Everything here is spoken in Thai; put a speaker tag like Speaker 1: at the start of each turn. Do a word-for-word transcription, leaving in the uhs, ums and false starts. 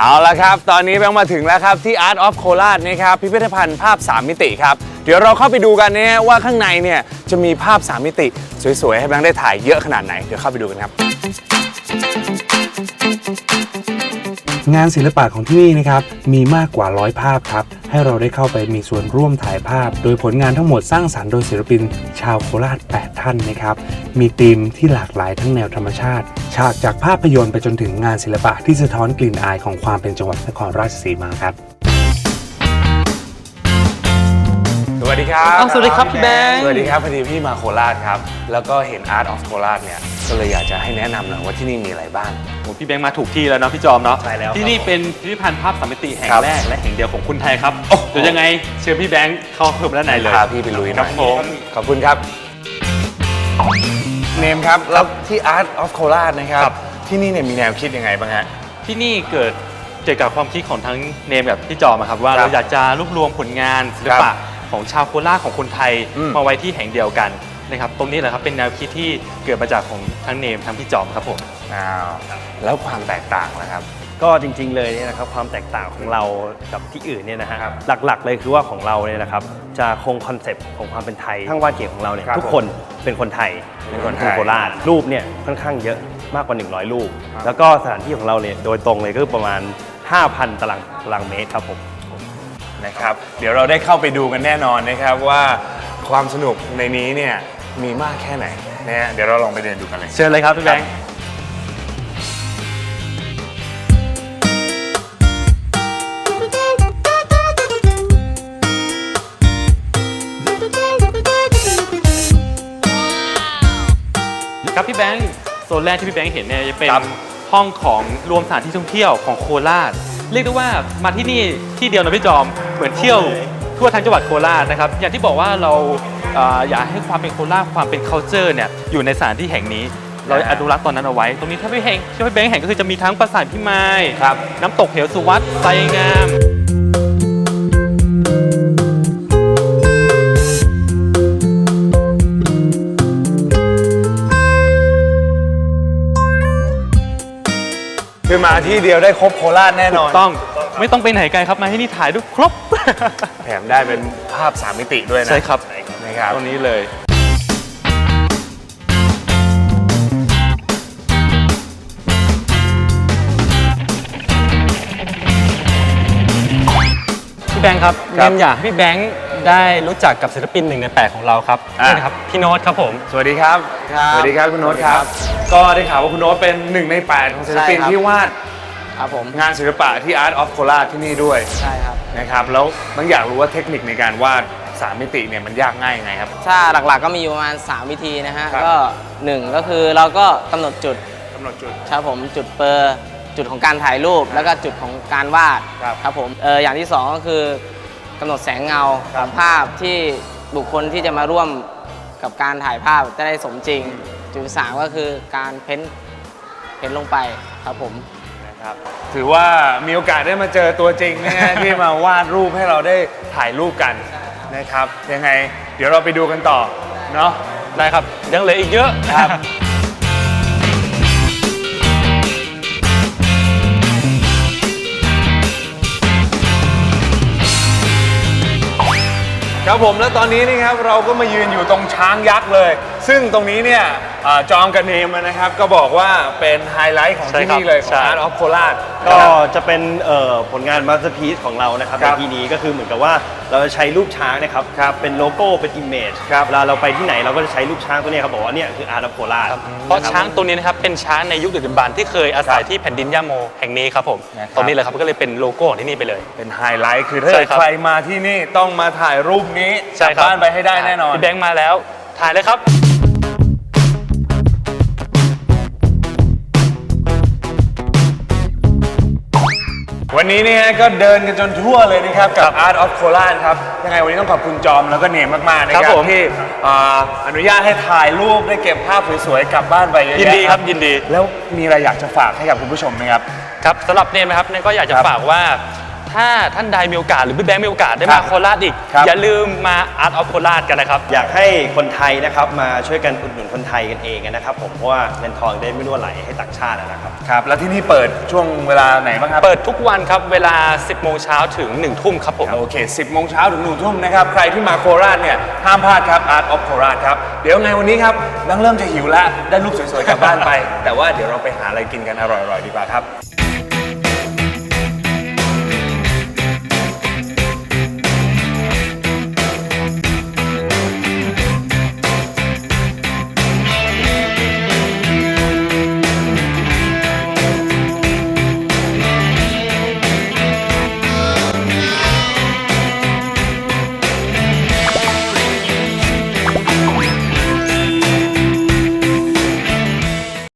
Speaker 1: เอาละครับตอนนี้แบงค์มาถึงแล้วครับที่ Art of โคราชนะครับพิพิธภัณฑ์ภาพสามมิติครับเดี๋ยวเราเข้าไปดูกันเนี่ยว่าข้างในเนี่ยจะมีภาพสามมิติสวยๆให้แบงค์ได้ถ่ายเยอะขนาดไหนเดี๋ยวเข้าไปดูกันครับ
Speaker 2: งานศิลปะของที่นี่นะครับมีมากกว่าร้อยภาพครับให้เราได้เข้าไปมีส่วนร่วมถ่ายภาพโดยผลงานทั้งหมดสร้างสรรค์โดยศิลปินชาวโคราชแปดท่านนะครับมีธีมที่หลากหลายทั้งแนวธรรมชาติฉากจากภาพยนตร์ไปจนถึงงานศิลปะที่สะท้อนกลิ่นอายของความเป็นจังหวัดนครราชสีมาครับ
Speaker 1: สวัสดีครับ
Speaker 3: สวัสดีครับพี่แบงค์
Speaker 1: สวัสดีครับพอดีพี่มาโคราชครับแล้วก็เห็น Art of โคราชเนี่ยก็เลยอยากจะให้แนะนำหน่อยว่าที่นี่มีอะไรบ้าง
Speaker 3: โอ้พี่แบงค์มาถูกที่แล้วเนาะพี่จอมเนาะ
Speaker 1: ใช่แล้ว
Speaker 3: ที่นี่เป็นพิพิธภัณฑ์ภาพสามมิติแห่งแรกและแห่งเดียวของคนไทยครับเดี๋ยวยังไงเชิญพี่แบงค์เข้าเพิ่มด้านในเลย
Speaker 1: พาพี่ไปลุยหน่อย
Speaker 3: ครับผม
Speaker 1: ขอบคุณครับเนมครับแล้วที่ Art of โคราชนะครับที่นี่เนี่ยมีแนวคิดยังไงบ้างฮะ
Speaker 3: ที่นี่เกิดเกี่ยวกับความคิดของทั้งเนมกับพี่จอมครับว่าเราอยากจะรวบรวมผลงานศิลปะของชาวโคราชของคนไทยมาไว้ที่แห่งเดียวกันนะครับตรงนี้แหละครับเป็นแนวคิดที่เกิดมาจากของทั้งเนมทั้งพี่จอมครับผม
Speaker 1: อ้าวแล้วความแตกต่างนะครับ
Speaker 4: ก็จริงๆเลยเนี่ยนะครับความแตกต่างของเรากับที่อื่นเนี่ยนะฮะหลักๆเลยคือว่าของเราเนี่ยนะครับจะคงคอนเซปต์ของความเป็นไทยทั้งวาดเขียนของเราเนี่ยทุกคนเป็นคนไทย
Speaker 1: เป็นคนไทย
Speaker 4: โคราชรูปเนี่ยค่อนข้างเยอะมากกว่าหนึ่งร้อยรูปแล้วก็สถานที่ของเราเนี่ยโดยตรงเลยก็ประมาณ ห้าพัน ตารางตารางเมตรครับผม
Speaker 1: นะครับเดี๋ยวเราได้เข้าไปดูกันแน่นอนนะครับว่าความสนุกในนี้เนี่ยมีมากแค่ไหนนะฮะเดี๋ยวเราลองไปเดินดูกันเลย
Speaker 3: เชิญเลยครับพี่แบงค์ครับพี่แบงค์โซนแรกที่พี่แบงค์เห็นเนี่ยจะเป็นห้องของรวมสถานที่ท่องเที่ยวของโคราชเรียกได้ว่ามาที่นี่ที่เดียวนะพี่จอมเหมือนเที่ยวทั่วทั้งจังหวัดโคราชนะครับอย่างที่บอกว่าเราอยากให้ความเป็นโคราชความเป็น culture เนี่ยอยู่ในสถานที่แห่งนี้เราอนุรักษ์ตอนนั้นเอาไว้ตรงนี้ถ้าพี่แห่งที่พี่แบงค์แห่งก็คือจะมีทั้งปราสาทพิมายน้ำตกเหวสุวัตไซงาม
Speaker 1: คือมาที่เดียวได้ครบโคราชแน่นอน
Speaker 3: ต้องไม่ต้องไปไหนไกลครับมาที่นี่ถ่ายรูปครบ
Speaker 1: แถมได้เป็นภาพสามมิติด้วยนะ
Speaker 3: ใช่ครับ
Speaker 1: นะครับ
Speaker 3: ตรงนี้เลยพี่แบงค์ครับเนมอยากให้พี่แบงค์ได้รู้จักกับศิลปินหนึ่งในแปดของเราครับนี่นะครับพี่โน้ตครับผม
Speaker 1: สวัสดีครับสวัสดีครับคุณโน้ตครับก็ได้ข่าวว่าคุณโน้ตเป็นหนึ่งในแปดของศิลปินที่วาด
Speaker 5: ครับผม
Speaker 1: งานศิลปะที่ Art of โคราชที่นี่ด้วย
Speaker 5: ใช่ครับ
Speaker 1: นะครับแล้วต้องอยากรู้ว่าเทคนิคในการวาดสามมิติเนี่ยมันยากง่ายยังไงครับ
Speaker 5: ถ้าหลักๆก็มีอยู่ประมาณสามวิธีนะฮะก็หนึ่งก็คือเราก็กำหนดจุด
Speaker 1: กำหนดจุด
Speaker 5: ครับผมจุดเปอร์จุดของการถ่ายรูปแล้วก็จุดของการวาดครับผมเอออย่างที่สองก็คือกำหนดแสงเงาของภาพที่บุคคลที่จะมาร่วมกับการถ่ายภาพจะได้สมจริงจุดสามก็คือการเพ้นเพ้นลงไปครับผม
Speaker 1: นะครับถือว่ามีโอกาสได้มาเจอตัวจริงนะฮะ ที่มาวาดรูปให้เราได้ถ่ายรูปกันนะครับยังไงเดี๋ยวเราไปดูกันต่อเนาะ
Speaker 3: ได้ครับยังเหลืออีกเยอะ
Speaker 1: ครับครับผมแล้วตอนนี้นี่ครับเราก็มายืนอยู่ตรงช้างยักษ์เลยซึ่งตรงนี้เนี่ยจอมกับเนมนะครับก็บอกว่าเป็นไฮไลท์ของที่นี่เลยของ Art of โคราช
Speaker 4: ก็จะเป็นผลงานมาสเตอร์พีซของเรานะครับในที่นี้ก็คือเหมือนกับว่าเราจะใช้รูปช้างนะครับเป็นโลโก้เป็นอิมเมจเวลาเราไปที่ไหนเราก็จะใช้รูปช้างตัวนี้ครับบอกว่าเนี่ยคือ Art of โคราช
Speaker 3: เพราะช้างตัวนี้นะครับเป็นช้างในยุคดึกดำบรรพ์ที่เคยอาศัยที่แผ่นดินย่าโมแห่งนี้ครับผมตรงนี้เลยครับก็เลยเป็นโลโก้ของที่นี่ไปเลย
Speaker 1: เป็นไฮไลท์คือถ้าใครมาที่นี่ต้องมาถ่ายรูปนี้กลับบ้านไปให้ได้แน่นอน
Speaker 3: พี่แบงค์มาแล้วถ่ายเลยครับ
Speaker 1: วันนี้เนี่ยก็เดินกันจนทั่วเลยนะครับกับ Art of โคราชครับยังไงวันนี้ต้องขอบคุณจอมแล้วก็เนมมากๆนะครับที่อนุญาตให้ถ่ายรูปได้เก็บภาพสวยๆกลับบ้านไปเยอะๆ
Speaker 3: ยินดีครับยินดี
Speaker 1: แล้วมีอะไรอยากจะฝากให้กับคุณผู้ชมไหมครับ
Speaker 3: ครับสำหรับเนมนะครับเนมก็อยากจะฝากว่าถ้าท่านใดมีโอกาสหรือพี่แบงค์มีโอกาสได้
Speaker 1: ครั
Speaker 3: มา
Speaker 1: บ
Speaker 3: โคราชอีก
Speaker 1: ครับ
Speaker 3: อย่าลืมมา Art of โคราชกันนะครับ
Speaker 4: อยากให้คนไทยนะครับมาช่วยกันอุดหนุนคนไทยกันเองนะครับผมเพราะว่าเงินทองได้ไม่รั่วไหลให้ต่างชาตินะครับ
Speaker 1: ครับแล้วที่นี่เปิดช่วงเวลาไหนบ้างครับ
Speaker 3: เปิดทุกวันครับเวลา สิบโมงเช้าถึง หนึ่งทุ่มครับผม
Speaker 1: โอเค สิบโมงเช้าถึงหนึ่งทุ่มนะครับ ใครที่มาโคราชเนี่ย ห้ามพลาดครับ Art of โคราชครับ เดี๋ยวไงวันนี้ครับแบงค์เริ่มจะหิวแล้ว ได้รูปสวยๆกลับบ้านไป แต่ว่าเดี๋ยวเราไปหาอะไรกินกันอร่อยๆดีกว่าครับ